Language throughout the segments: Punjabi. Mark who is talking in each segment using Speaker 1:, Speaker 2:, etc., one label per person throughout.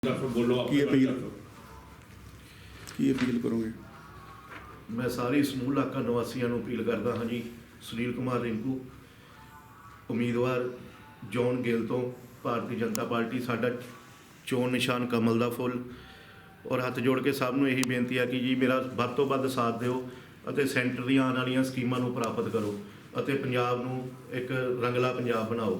Speaker 1: ਕੀ ਅਪੀਲ ਕਰੋਗੇ?
Speaker 2: मैं सारी समूह इलाका निवासियों को अपील करता हाँ जी। सुनील कुमार रिंकू उम्मीदवार जॉन गिल तो भारतीय जनता पार्टी, साडा चोण निशान कमल का फुल। और हथ जोड़ के सब नूं यही बेनती है कि जी मेरा वध तो वध साथ दिओ अते सेंटर दी आने वाली स्कीमां नूं प्राप्त करो अते पंजाब नूं एक रंगला पंजाब बनाओ।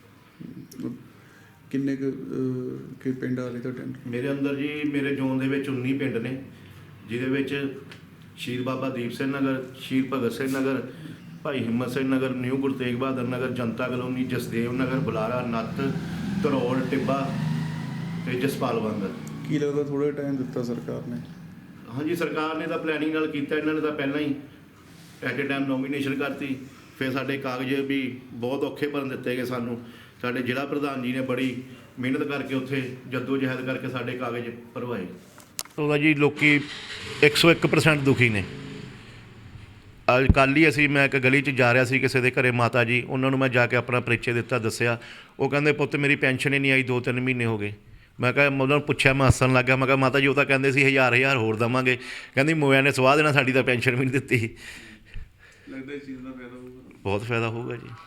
Speaker 1: किन्ने के पिंड आ रहे तुहाडे?
Speaker 2: मेरे अंदर जी मेरे जोन दे विच 19 पिंड ने, जिहदे विच ਸ਼ਹੀਦ ਬਾਬਾ ਦੀਪ ਸਿੰਘ ਨਗਰ, ਸ਼ਹੀਦ ਭਗਤ ਸਿੰਘ ਨਗਰ, ਭਾਈ ਹਿੰਮਤ ਸਿੰਘ ਨਗਰ, ਨਿਊ ਗੁਰੂ ਤੇਗ ਬਹਾਦਰ ਨਗਰ, ਜਨਤਾ ਕਲੋਨੀ, ਜਸਦੇਵ ਨਗਰ, ਬੁਲਾਰਾ, ਨੱਤ, ਧਰੋਲ, ਟਿੱਬਾ ਤੇ ਜਸਪਾਲ ਬੰਦਰ।
Speaker 1: ਕੀ ਲੱਗਦਾ ਥੋੜਾ ਟਾਈਮ ਦਿੱਤਾ ਸਰਕਾਰ ਨੇ?
Speaker 2: ਹਾਂਜੀ, ਸਰਕਾਰ ਨੇ ਤਾਂ ਪਲੈਨਿੰਗ ਨਾਲ ਕੀਤਾ। ਇਹਨਾਂ ਨੇ ਤਾਂ ਪਹਿਲਾਂ ਹੀ ਐਟ ਏ ਟਾਈਮ ਨੋਮੀਨੇਸ਼ਨ ਕਰਤੀ। ਫਿਰ ਸਾਡੇ ਕਾਗਜ਼ ਵੀ ਬਹੁਤ ਔਖੇ ਭਰਨ ਦਿੱਤੇ ਗਏ ਸਾਨੂੰ। ਸਾਡੇ ਜ਼ਿਲ੍ਹਾ ਪ੍ਰਧਾਨ ਜੀ ਨੇ ਬੜੀ ਮਿਹਨਤ ਕਰਕੇ ਉੱਥੇ ਜੱਦੋ ਜਹਿਦ ਕਰਕੇ ਸਾਡੇ ਕਾਗਜ਼ ਭਰਵਾਏ। ਉਹਦਾ ਜੀ ਲੋਕੀ 101% ਦੁਖੀ ਨੇ। ਅੱਜ ਕੱਲ੍ਹ ਹੀ ਅਸੀਂ, ਮੈਂ ਇੱਕ ਗਲੀ 'ਚ ਜਾ ਰਿਹਾ ਸੀ ਕਿਸੇ ਦੇ ਘਰੇ ਮਾਤਾ ਜੀ, ਉਹਨਾਂ ਨੂੰ ਮੈਂ ਜਾ ਕੇ ਆਪਣਾ ਪਰਿਚੈ ਦਿੱਤਾ, ਦੱਸਿਆ। ਉਹ ਕਹਿੰਦੇ ਪੁੱਤ ਮੇਰੀ ਪੈਨਸ਼ਨ ਹੀ ਨਹੀਂ ਆਈ, 2-3 ਮਹੀਨੇ ਹੋ ਗਏ। ਮੈਂ ਕਿਹਾ, ਉਹਨਾਂ ਨੂੰ ਪੁੱਛਿਆ, ਮੈਂ ਹੱਸਣ ਲੱਗ ਗਿਆ। ਮੈਂ ਕਿਹਾ ਮਾਤਾ ਜੀ ਉਹ ਤਾਂ ਕਹਿੰਦੇ ਸੀ 1000 ਹੋਰ ਦੇਵਾਂਗੇ, ਕਹਿੰਦੀ ਮੋਇਆ ਨੇ ਸਵਾਹ ਦੇਣਾ, ਸਾਡੀ ਤਾਂ ਪੈਨਸ਼ਨ ਵੀ ਨਹੀਂ ਦਿੱਤੀ।
Speaker 1: ਲੱਗਦਾ ਇਸ ਚੀਜ਼ ਦਾ ਫਾਇਦਾ ਹੋਊਗਾ?
Speaker 2: ਬਹੁਤ ਫਾਇਦਾ ਹੋਊਗਾ ਜੀ,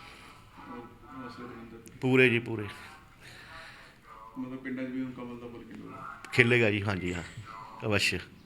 Speaker 2: ਪੂਰੇ ਜੀ ਪੂਰੇ।
Speaker 1: ਮਤਲਬ ਪਿੰਡਾਂ 'ਚ ਵੀ ਹੁਣ ਕਮਲ ਦਾ ਫੁੱਲ
Speaker 2: ਖਿਲੇਗਾ ਜੀ। ਹਾਂਜੀ ਹਾਂ, ਅਵश्य।